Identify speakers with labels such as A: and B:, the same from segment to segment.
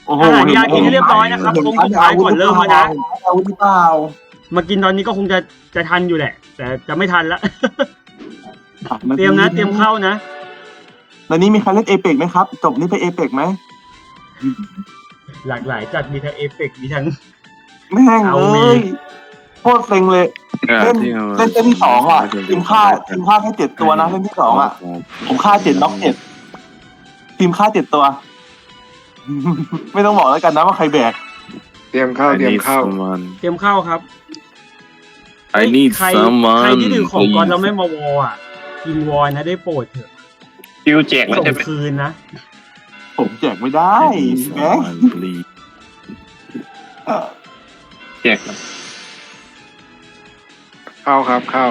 A: โอ้โห
B: อาหารยากินให้เรียบร้อยนะครับคงสุดท้ายก่อนเริ่มแล้วนะ
A: อาวุธหรือเปล่า
B: มากินตอนนี้ก็คงจะทันอยู่แหละ แต่จะไม่ทันละ เตรียมนะเตรียมเข้านะ
A: แล้วนี้มีใครเล่นเอเปกไหมครับจบนี้ไปเอเปกไหม
B: หลากหลายจัดมีทั้งเอฟเฟกต์มีทั้ง
A: แม่ง
B: เอา
A: เล
B: มี
A: ยโคตรเซ็งเลยเล่นเล่นเส้นที่สองอ่ะทีมฆ่าแค่7 ตัวนะเล่นที่สองอ่ะผมฆ่า7น็อก7ทีมฆ่า7 ตัว ไม่ต้องบอกแล้วกันนะว่าใครแบก
C: เตรียมเข้าเตรียมเข้า
B: เตรียมเข้าครับ
D: I need
B: ใคร
D: someone
B: ใครที่ถือของก่อนเราไม่มาวออ่ะกินวอนะได้โปรดเถอะ
E: คิวแจกแล้ว
B: ส่ง
E: จะเป็น
B: คืนนะ
A: ผมแจกไม่ได้
D: I need
A: แหม
D: someone please
E: แจกนะ
C: เข้าครับเข้า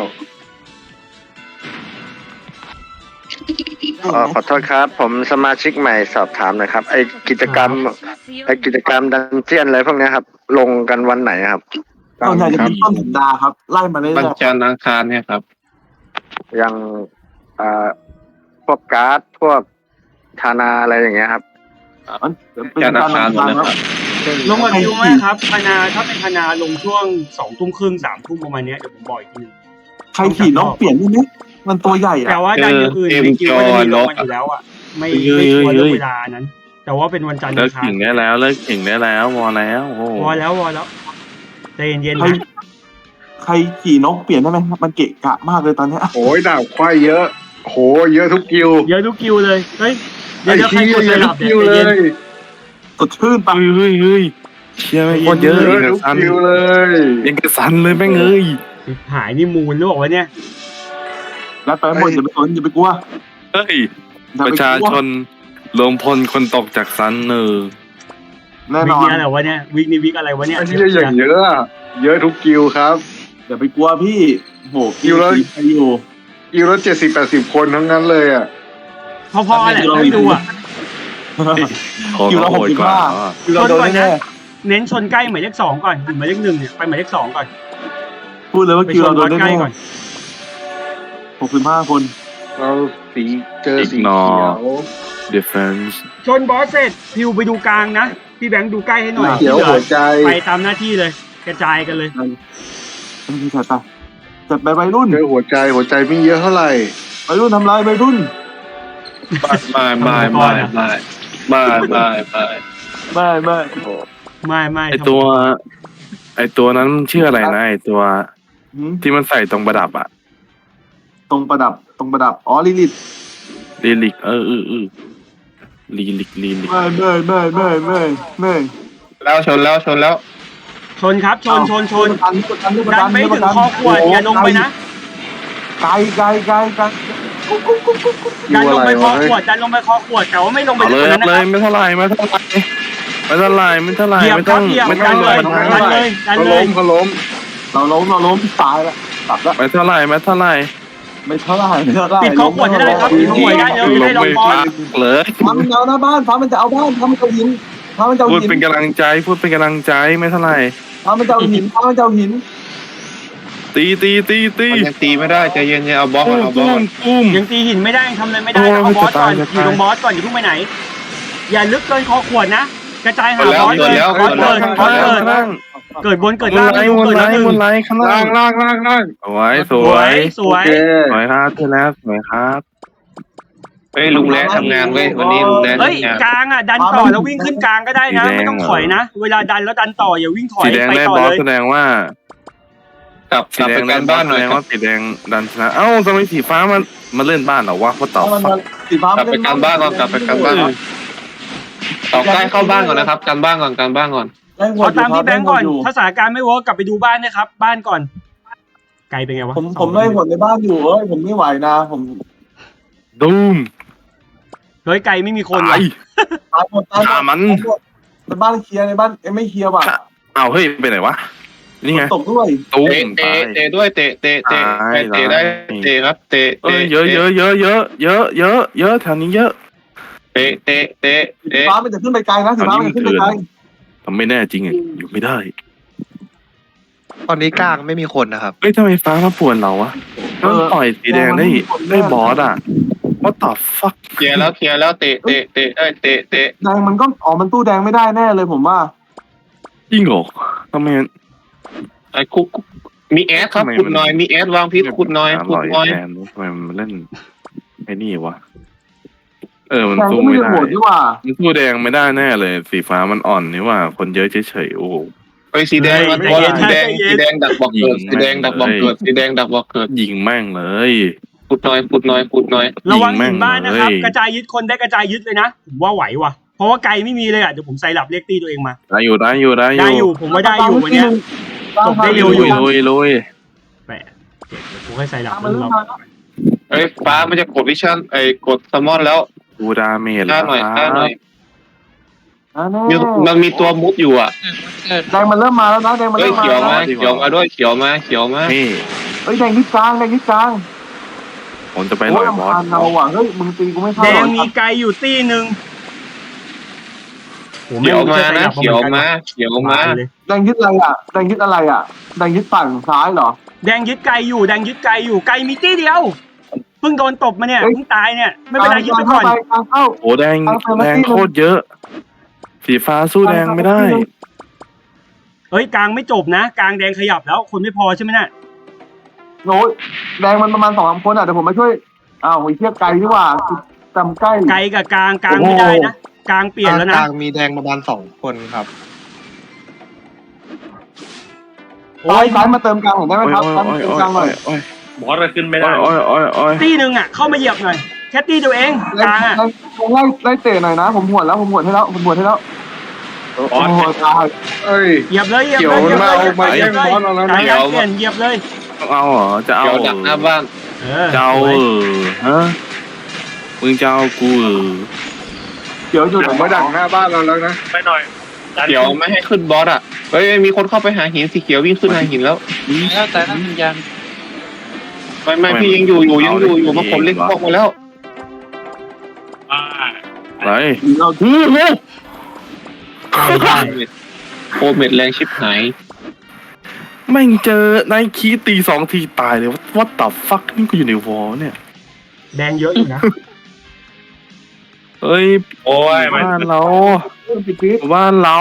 F: ขอโทษครับ ผมสมาชิกใหม่สอบถามหน่อยครับ ไอกิจกรรมดันเจียนอะไรพวกเนี้ยครับ ลงกันวันไหนครับ
A: ส่วนใหญ่จะเป็นต้นสัปดาห์ครับ ไล่มาเรื่
E: วัน
A: อย
E: จันทร์อังคารเนี่ยครับ
F: อย่างพวกการ์ดพวกธานาอะไรอย่างเงี้ยครับ
A: ๆมันเป็น
E: จันทร์อั
A: กาง ร
E: คารหมดเลย
A: ค
E: ค
A: รั
E: รั
A: บบ
B: ลงกับคิวไหมครับพนาถ้าเป็นพนาลงช่วง20:30 3 ทุ่มประมาณเนี้ยเดี๋ยวผมบอกอีกทีนึง
A: ใครขี่นกเปลี่ยนได้ไหมมันตัวใหญ่อ่ะ
B: แต่ว่าดันอย่างอื่นในคิวก็จะมีลงมาอยู่แล้วอ่ะไม่ชัวร์เรื่องเวลานั้น แต่ว่าเป็นวันจันทร์
D: เลิ
B: อั
D: ก
B: งคาร
D: ขิงได้แล้วเลิกขิงได้แล้วพอแล้วโอ้โห
B: วอแล้วใจเย็นๆ
A: ใคร
B: นะ
A: ใครขี่นกเปลี่ยนได้ไหมครับมันเกะกะมากเลยตอนเนี้ย
C: โอ้ยดาบควายเยอะโหเยอะทุกกิว
B: เยอะทุกคิวเลยเฮ้ยเดี๋
C: ไอ้
B: ยวใคร
C: ที่
B: กด
C: เย
B: ส
C: อะ
B: ลั
C: ทุ
B: บ
C: ก
B: เนี่
C: กิวย
B: ใจ
C: เล
B: เย็น
C: ย
A: สดชื่นปะ
D: เฮ้ยเชี่ยไม่งโคตรเยอะ
C: เย
D: อี
C: อะ
D: ก
C: ทุก
D: สัน
C: กิวเลย
D: ยังกระสันเลยแม่งเอ้ย
B: หายนี่มูลหรือเปล่าวะเนี่ย
A: แล้วไปหมดอย่าไปสนอย่าไปกลัว
D: เฮ้ย
A: อย่
D: ป
A: ไประ กลัว
D: ชาชนรวมพลคนตกจากสันเนอ
A: แน่น
B: วิก
A: อน
B: นี้อะไรวะเนี่ยวิกนี้วิกอะไรวะเนี่ย
C: ไอ้ที่อย่างเยอะอะเยอะทุกกิวครับ
A: อย่าไปกลัวพี่โห
C: อยู่แล้ว
A: ไปอยู่
C: กิวละ70-80 คนทั้งนั้นเลยอ่ะ
B: พอๆแหละไม่ดูอ่ะ
D: ของ
A: คิวละ
D: โหดกว่า
A: 65คิวเราโดนแน่
B: เน้นชนใกล้หมายเลข2ก่อนถึงหมายเลข1เนี่ยไปหมายเลข2ก่อน
A: ๆพูดเลยว่า
B: ไป
A: คิว
B: ช
A: เรา
B: น
A: โด
B: บอน สใกล้
A: แน่
B: ก่อน
A: 65 คน
C: เราสีเจอสีเขียว
D: defense
B: ชนบอสเสร็จพิวไปดูกลางนะพี่แบงค์ดูใกล้ให้หน่อย
C: เขียวหัวใจ
B: ไปตามหน้าที่เลย กระจายกันเลย
A: ไม่ใช่จัดไปวัยรุ่น
C: เจอหัวใจไม่เยอะเท่าไหร่
A: วัยรุ่นทำลายวัยรุ่น
E: ไม่
A: ไม่
B: ไม่
D: ไอตัวนั้นมันชื่ออะไรนะไอตัว
A: หืม
D: ที่มันใส่ตรงประดับอะ
A: ตรงประดับอ๋อลิลิต
D: ลีลิกลีลิก
A: ไม่
E: แล้วชนแล้ว
B: ชนครับชน
A: ประ
B: ดันไปถึงคอขวดอย่าลงไปนะ
A: ไกล
B: ดันลงไปคอขวดแต่ว่าไม่ลงไป
D: เอา
B: ลึ
D: เล
B: ก
D: ย
B: กว่านั้น
D: เล
B: นะค
D: ย
B: รับ
D: ไม่เท่าไหร่ไม่ต้อง
B: เหยียบครับเหยียบ
D: ไม่
B: ดั
D: ต้อน ง
B: เลยดันเลยดัน
C: เขา
B: เล
C: ล้
B: ย
C: มเขาล้ม
A: เราล้มตายแล้วกลับแล้ว
D: ไม่เท่าไหร่
A: ไม่เท่าไหร่
B: ปิดคอขวดให้ได้ครับปิดคอขวดได้เร็วจะได้ลงบอล
D: เลย
A: ฟ้ามันเอาหน้าบ้านฟ้ามันจะเอาบ้านฟ้ามันจะเอาหินฟ้ามันจะเอา
D: พูด
A: หิน
D: เป็นกำลังใจไม่เท่าไหร่
A: ฟ้ามันจะเอาหินฟ้ามันจะเอาหิน
D: ตี
E: มันยังตีไม่ได้ใจเย็นๆเอาบอสก่อนเอาบอสก่อน
D: ตุ้ม
B: ยังตีหินไม่ได้ยังทำอะไรไม่ได้เอาบอสก่อนอยู่ตรงบอสก่อนอย่าเพิ่งไปไหน อย่าลึกเกินคอขวดนะกระจายหาบอสเลยบอสเกิดบนเกิดล่างเกิดแล้วหนึ่ง
D: ข้าง
C: ล่า
D: ล่าง
C: ง
D: สวย
B: สวย
C: โอเค
D: สวยครับที่แล้วสวยครับ
E: เฮ้ยลุงแร้ทำงานเว้ยวันนี้ลุงแร้
B: เฮ้ย
E: ทำงาน
B: กลางอ่ะดันต่อแล้ววิ่งขึ้นกลางก็ได้นะไม่ต้องถอยนะเวลาดันแล้วดันต่ออย่าวิ่งถอย
D: สีแดง
B: ไป
D: ได้
B: ต่อบ
D: อส
B: เลย
D: แสดงว่าก
E: ลับไปการบ้านหน่อย
D: แสดง
E: ครั
D: ว่า
E: บ
D: สีแดงดันชนะเอ้าทำไมสีฟ้ามันเล่นบ้านเหรอวะเพราะต่อ
A: ฟ้ามันสีฟ้าก
E: ลับไปการบ้านก่อนต่อใกล้เข้าบ้านก่อนนะครับการบ้านก่อน
B: เอาตามพี่แบงก์ก่อนถ้าสถานการณ์ไม่เวิร์กกลับไปดูบ้านนะครับบ้านก่อนไกลเป็นไงวะ
A: ผมไล่ผลในบ้านอยู่ผมไม่ไหวนะผม
D: ดูม
B: เฮ้ยไกลไม่มีคน
D: ตาย
A: ตายหมดในบ้านเคลียร์ในบ้านไม่เคลียร์ว่ะ
D: อ้าวเฮ้ยไปไหนวะนี่ไง
A: ตกด้วย
D: ตุ้ม
E: เตะด้วยเตะได้เตะครับเตะ
D: เยอะแถวนี้เยอะ
E: เตะ
A: ฟ้ามันจะขึ้นไปไกลนะสีฟ้ามันจะขึ้นไปไกล
D: ทำไม่แน่จริงอ่ะอยู่ไม่ได้
G: ตอนนี้กลางไม่มีคนนะครับ
D: เฮ้ยทำไมฟ้ามาป่วนเราวะต้องต่อยสีแดงได้บอสอ่ะ what the fuck
E: เคลียร์แล้วเตะเตะ
A: แดงมันก็มันตู้แดงไม่ได้แน่เลยผมว่า
D: จริงเหรอทำไม
E: ไอ้คุกมีแอดครับขุดหน่อยมีแอดวางพิษขุดหน่อย
D: แทนทำไมมันเล่นไอ้นี่วะมัน
A: แดง
D: สู้
A: ก็ไม่
D: ไม่
A: ได้
D: ได้
A: โหวตนี่ว่า
D: มันสู้แดงไม่ได้แน่เลยสีฟ้ามันอ่อนนี่ว่าคนเยอะเฉยๆโอ้
E: ไอ้สีแดงมันสีแดงดักบอกเกิดสีแดงดักบอกเกิด
D: ยิงแม่งเลย
E: ขุดหน่อย
B: ระวังหินบ้านนะครับกระจายยึดคนได้กระจายยึดเลยนะผมว่าไหวว่ะเพราะว่าไกลไม่มีเลยอ่ะเดี๋ยวผมใส่หลับเรียกตีตัวเองมาได้อยู่ผมว่าได้อยู่วันนี้จบได้เร็วอยู่
D: ลุย
B: แหมเดี๋ยวผมให้ใส่หลับ
A: มันเริ่ม
B: เรา
A: มาแล้ว
E: ไอ้ฟ้ามันจะกดวิชั่นกดซัมมอนแล้ว
D: กูดาเมจ
E: ฆ่าหน่อย
A: แน่
E: มันมีตัวมุดอยู่อ่ะ
A: แดงมันเริ่มมาแล้วนะแดงมันเริ่มมา
E: เขียว
A: แล้ว
E: มาด้วยเขียวมา
D: นี่
A: แดงยึดกลาง
D: ผมจะไปหน่อยบอส
A: เราอ่ะเฮ้ยมึงตีกูไม่เข้า
B: แด
A: หรอง
B: มีไกลอยู่ตีหนึ่ง
E: เขียวมานะเขียวมา
A: แดงยึดอะไรอ่ะแดงยึดฝั่งซ้ายเหรอ
B: แดงยึดไกลอยู่ไกลมีตีเดียวเพิ่งโดนตบมาเนี่ยเพิ่งตายเนี่ยไม่เป็นไรยึดไปก่อน
A: เข้า
D: โอ้แดงโคตรเยอะ สีฟ้าสู้แดงไม่ได้
B: เฮ้ยกลางไม่จบนะกลางแดงขยับแล้วคนไม่พอใช่ไหมน่ะ
A: โน้ยแดงมันประมาณ2-3คนอ่ะเดี๋ยวผมมาช่วยไอ้เทียบไกลดีกว่าจำใกล้
B: ไกลกับกลางไม่ได้นะกลางเปลี่ยนแล้วนะ
G: กลางมีแดงประมาณ2 คนครับ
A: ซ้ายมาเติมกลางหน่อยได้ไหมครับซ้ายมาเติมกลางหน่อย
H: บอสเราขึ้นไม่ได้
B: ตีหนึ่งอ่ะเข้ามาเหยียบหน่อยแค่ตีตัวเองกลางอ่ะ
A: ไล่เตะหน่อยนะผมหวดให้แล้วโอ้โหตาย
C: เอ้ย
B: เหยียบเลย
C: เขียวมันมาเอามาแย่งบอสเราแล้ว
B: กลาง
C: นะ
B: เปลี่ยนเหยียบเลย
D: เอาเหรอจะเอา
E: เขียวดักหน้าบ้าน
D: จะเอาฮะมึงจะเอากู
A: เดี๋ยวอยู่
C: เดี๋ยวมาดักหน้าบ้านเราแล้วนะ
H: ไปหน่อย
E: เขียวไม่ให้ขึ้นบอสอ่ะเฮ้ยมีคนเข้าไปหาหินสีเขียววิ่งขึ้นหาหินแล้ว
H: แล้วแต่นั้นยัง
E: ไม่พี่ยังอยู่มาผมเล่นพวกมาแล้ว
D: อะไร
A: เรา
E: โคเม็ดแรงชิบหาย
D: แม่งเจอนายคีตี2 ทีตายเลยวัดตับฟักนี่กูอยู่ในวอลเนี่ย
B: แดงเยอะอยู่นะ
D: เฮ้ย
H: โอ้ย
D: บ้านเรา
H: บ้านเรา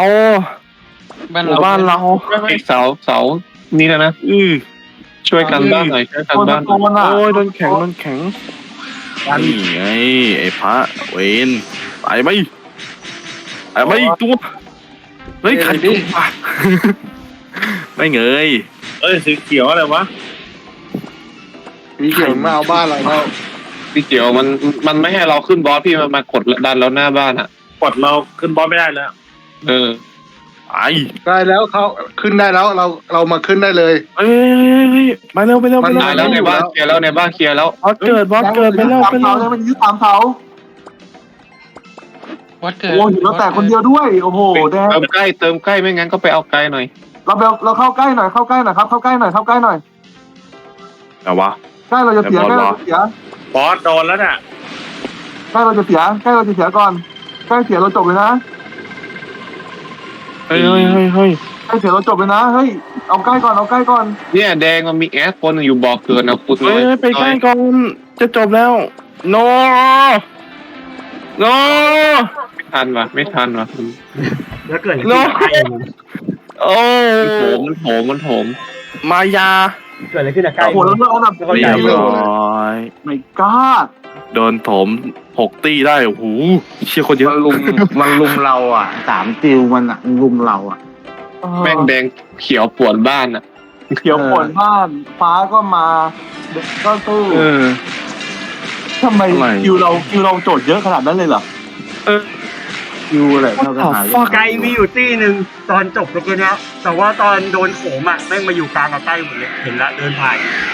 E: เสานี่แล้วนะ ช่วยกันบ้านหน่อยช่วยกันบ้าน
D: โอ้ยโดนแข็งนี่ไงไอ้พระเวนตายไหมตัวเฮ้ยใครตัววะไม่เงย
H: สีเขียวอะไรวะ
C: มีเขียวมาเอาบ้านเราแล้ว
E: พี่เขียวมันไม่ให้เราขึ้นบอสพี่มันมากดดันเราหน้าบ้านอ่ะ
H: กดเราขึ้นบอสไม่ได้แล้ว
D: ไอ้
C: ได้แล้วเขาขึ้นได้แล้วเรามาขึ้นได้เลย
D: เฮ้ยไปเร็ว
E: ตายแล้วในบ้านเคลียร์แล้วบอสเกิด
D: ไปเร็ว
A: มันยึด3 เสาโอ้ยเราแตกคนเดียวด้วยโอ้โหแดง
E: เติมใกล้ไม่งั้นก็ไปเอาไกลหน่อย
A: เราเข้าใกล้หน่อยครับเข้าใกล้หน่อย
D: แต่วะ
A: ใกล้เราจะเสีย
H: บอสโดนแล้วน่ะ
A: ใกล้เราจะเสียก่อนใกล้เสียเราจบเลยนะ
D: เฮ้ย
A: ใกล้เสียเราจบเลยนะเฮ้ยเอาใกล้ก่อน
E: เนี่ยแดงมันมีแอดคนอยู่บอกเกินนะคุณ
D: เฮ้ยไปใกล้ก่อนจะจบแล้วโน
E: ไม่ทันว่ะ
B: แล้วเกิดอะไรขึ้น
D: โอ้
E: มันโถม
D: มายา
B: เกิดอะไรขึ้นอะใกล้
A: โอ้โหแล้วเราอันดับ
D: เรียบร้อย
A: ไม่กล้า
D: โดนถม6 ตีได้โอ้โหเชี่ยคนเยอะ
G: มันลุมเราอ่ะ3 จิวมันอ่ะลุมเราอ่ะ
E: แม่งแดงเขียวปวดบ้านอ่ะ
A: เขียวปวดบ้านฟ้าก็มาก็สู้ทำไมคิวเราโจทย์เยอะขนาดนั้นเลยเหรอ
G: คิวอะไรเท่ากันหา
B: ไกลมีอยู่ตีหนึ่งตอนจบเมื่อกี้นี้แต่ว่าตอนโดนโขมอ่ะแม่งมาอยู่กลางกับใกล้หมดเลยเห็นละเดินผ่าน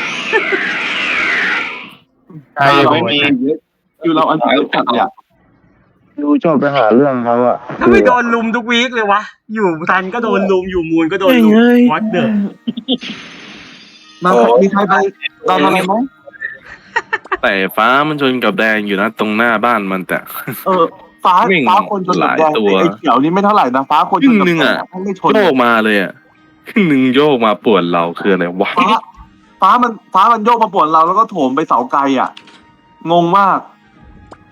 E: ไม่มี
A: คิวเราอันดับจัดเนี่ย
G: คิวชอบไปหาเรื่องเขาอ่ะ
B: ถ้าไม่โดนลุมทุกวีคเลยวะอยู่ทันก็โดนลุมอยู่มูลก็โดนลุมวัดเดิม
A: มีใครไปตามอะไรไหม
D: แต่ฟ้ามันชนกับแดงอยู่นะตรงหน้าบ้านมันแต่
A: ฟ้าคนชนกับแดงไอ้เขียวนี่ไม่เท่าไหร่นะฟ้าคนชนกับแดงไม่ชน
D: โยกมาเลยอ่ะหนึ่งโยกมาปวดเราคืออะไรวะ
A: ฟ้ามันโยกมาปวดเราแล้วก็โถมไปเสาไกลอ่ะงงมาก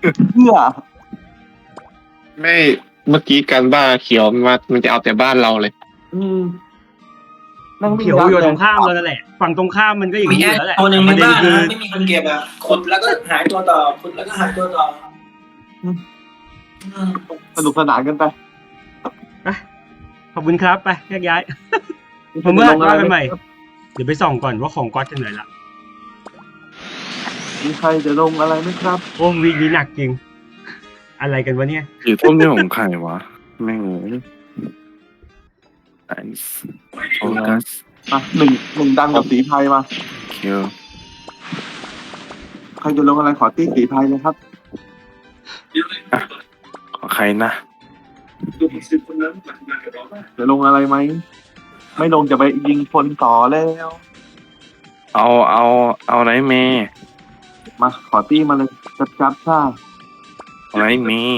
A: เพื่อ
E: ไม่เมื่อกี้การบ้านเขียวมันจะเอาแต่บ้านเราเลย
A: นั่งวิ่ง
B: เขียว
A: ดั
B: อยู่
A: เล
B: ตรงข้ามเรานั่นแหละฝั่งตรงข้ามมันก็อย่าง
I: มี
B: นี้อ
I: แอยู่
B: แล้วแหละ
I: ตัวหนึ่ง
B: ป
I: ใน
B: ระเด็น
I: บ้าน
B: คือ
I: นะไม่มีคนเก็บอ่ะขุดแล้วก็หายตัวต่อขุดแล้วก็หายตัวต่ออืม
A: สนุกสนานกันไป
B: ขอบคุณครับไปแยกย้าย ผม
A: จะ
B: ว่า
A: ลงอะไร
B: ว่ากัน
A: ไห
B: ให
A: ม
B: ม่ เดี๋ยวไปส่องก่อนว่าของก๊อตถึงไหนละ
A: มีใครจะลงอะไรไหมครับ
B: โอ้วีคนี้หนักจริง อะไรกันวะเนี่ย
D: สีส้มนี่ของใครวะแม่งเลยไอซ์โฟกัส
A: มาหนึ่งดังกับสีไพรมา
D: เคียว
A: ใครจะลงอะไรขอตีสีไพรเลยครับ
D: ขอใครนะ
A: จะลงอะไรไหมไม่ลงจะไปยิงคนต่อแล้ว
D: เอาไหนเมย์
A: มาขอตีมาเลยจับซ่า
D: เอาไหนเมย์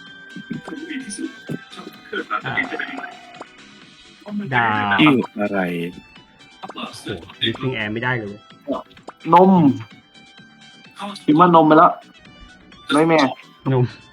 B: ด่า
D: ชื่ออะไร
B: ลิฟติ้งแอร์ไม่ได้เลยเว้ย
A: นมคิดว่านมไปแล้วไม่แม่
B: หนุ่ม